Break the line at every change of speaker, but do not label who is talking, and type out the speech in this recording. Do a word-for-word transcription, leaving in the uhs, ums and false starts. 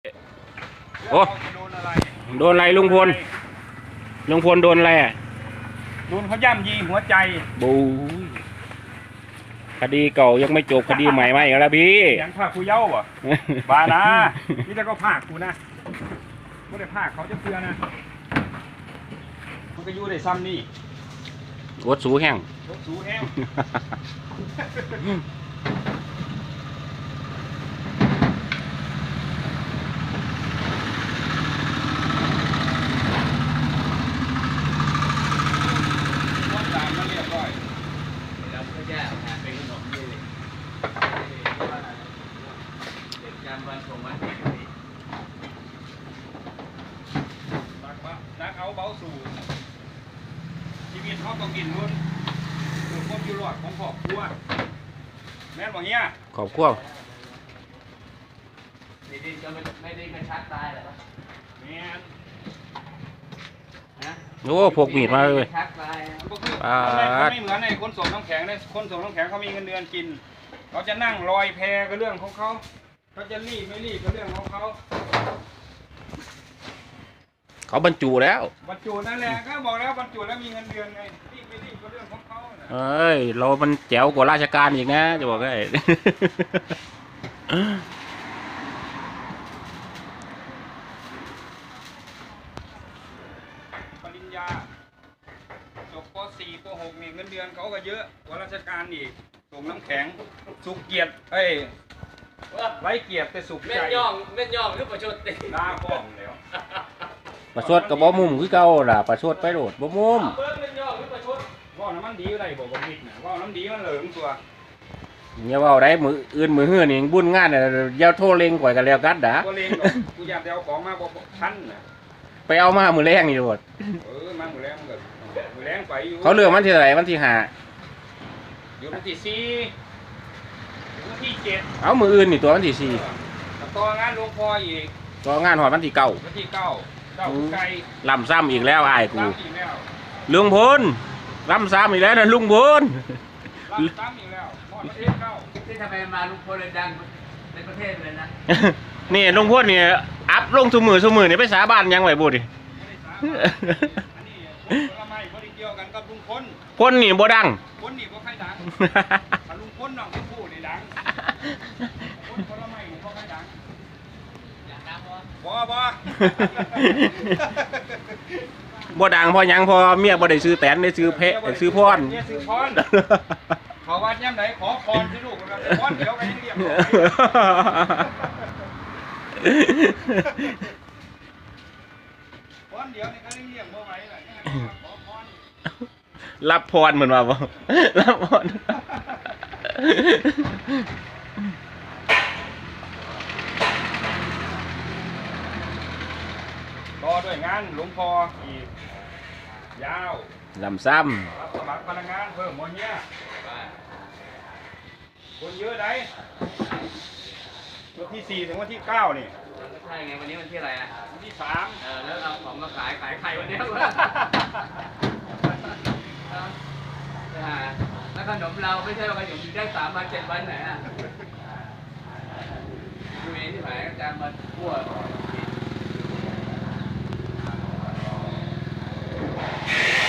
โอ้โดนอะไรลุงพลลุงพลโดนอะไรอ่ะ
โดนเขาย่ำยีหัวใจ
บูคดีเก่ายังไม่จบคดีใหม่มาอีกแล้วพี่
ยังภาคกูเย้าบ่บานะนี่จะก็ภาคกูนะไม่ได้ภาคเขาจะเพื่อนะมันก็อยู่ในซ้ำนี่
รถสูแห้ง
รถสูแห้งนักเอาเบาสู่ชีวิตเขาต้องกินรุ่นคือความอยู่รอดของครอบครัวแม่นบอกเงี้ย
ขอบคุณ
ไม่ได้ก็ไม่ได้กระชักตายหรอ
แม่น
นะโอ้พกมีดมาเลย
อ่าไม่เหมือนในคนส่งน้ำแข็งในคนส่งน้ำแข็งเขามีเงินเดือนกินเขาจะนั่งลอยแพก็เรื่องของเขาเขาจะรีบไม่รีบก็เรื่องของเขา
เขาบรรจุแล้ว
บรรจุนั่นแหละก็บอกแล้วบรรจุแล้วมีเงินเดือนไงรีบไม่รีบก็เรื่องของเขา
เอ้ยเรามันแจ๋วกว่าราชการอีกนะจะบอกให้
ปริญญาจบป สี่ป หกนี่เงินเดือนเขาก็เยอะกว่าราชการอีกส่งน้ำแข็งสุกเกียรติเอ้ยไร้เกียรติแต่สุกใจ
เม่นย่องเม่นย่องหรือประชดติ
หน้าฟ้องแล้ว
ประชดกับบ่มุมคือเก่าล่ะประชดไปโดดบ่มุม
ว่าน้ำมันดีอะไรบอกบ่ผิดนะว่าน้ำดีมันเหลืองตัว
อย่าว่าได้มืออื่นมือเฮือนี่บุญงานน่ะอย่าโทรเล็งก่อยกันแล้วกัดด่า
บ่เล็งดอกกูอยากเอาของมาบ่ทันน่ะ
ไปเอามามื้อแรงนี่โดด
เออมามื้อแรงก็มื้อแรงไปอยู่
เขาเลือกวันที่เท่าไหร่วันที่ห้า
อยู่วันที่สี่วันที่เจ็ด
เอามื้ออื่นนี่ตัววันที่สี่
ต่องานหลวงพ่ออีก
ต่องานฮอดวันที่เก้า
วันที่เก้าเก้าไก่
ลำซ้ำอีกแล้วอ้ายกูลุงพลลำซ้ำอีกแล้วนะลุงพล
ลำซ้ำอีกแล้วหม้อประเทศเก้า
ที่ทำไมมาลุงพลเลยดังในประเทศเลยนะ
นี่ลุงพลเนี่ยอัพลงสมือสมือเนี่ยไปสาบานยังไหวบุตรดิคนนี่บ่ดัง
คนนี่บ่ใครดังถ้าลุงพลน้องผู้นี่ดังคนคนละไม่บ่ใครดังบ่บ่
บ่ดังพอยังพอเมียบ่ได้ซื้อแตนได้ซื้อเพะได้ซื้อพร
เนี่ยซื้อพรขอวัดย่ำไหนขอพรที่ลูกเราพรเดี๋ยวไปเรียกพรเดี๋ยวนี่ก็เรียกบ่ไหวล่ะขอพร
รับพรเหมือนว่าบ่รับพร
รอด้วยงานหลวงพ่ออีกยาว
ลำซ้
ำสมัครพนักงานเพิ่มวันนี้คนเยอะได้วันที่สี่ถึงวันที่เก้านี่
ใช่ไงวันนี้วันที่อะไรอ่ะ
วันที่สาม
เออแล้วเอาของมาขายขายไข่วันนี้แล้วขนมเราไม่ใช่ว่าขนมอยู่ได้สามวันเจ็ดวันไหนอ่ะดูเองที่ไหนอาจารย์มาทั่ว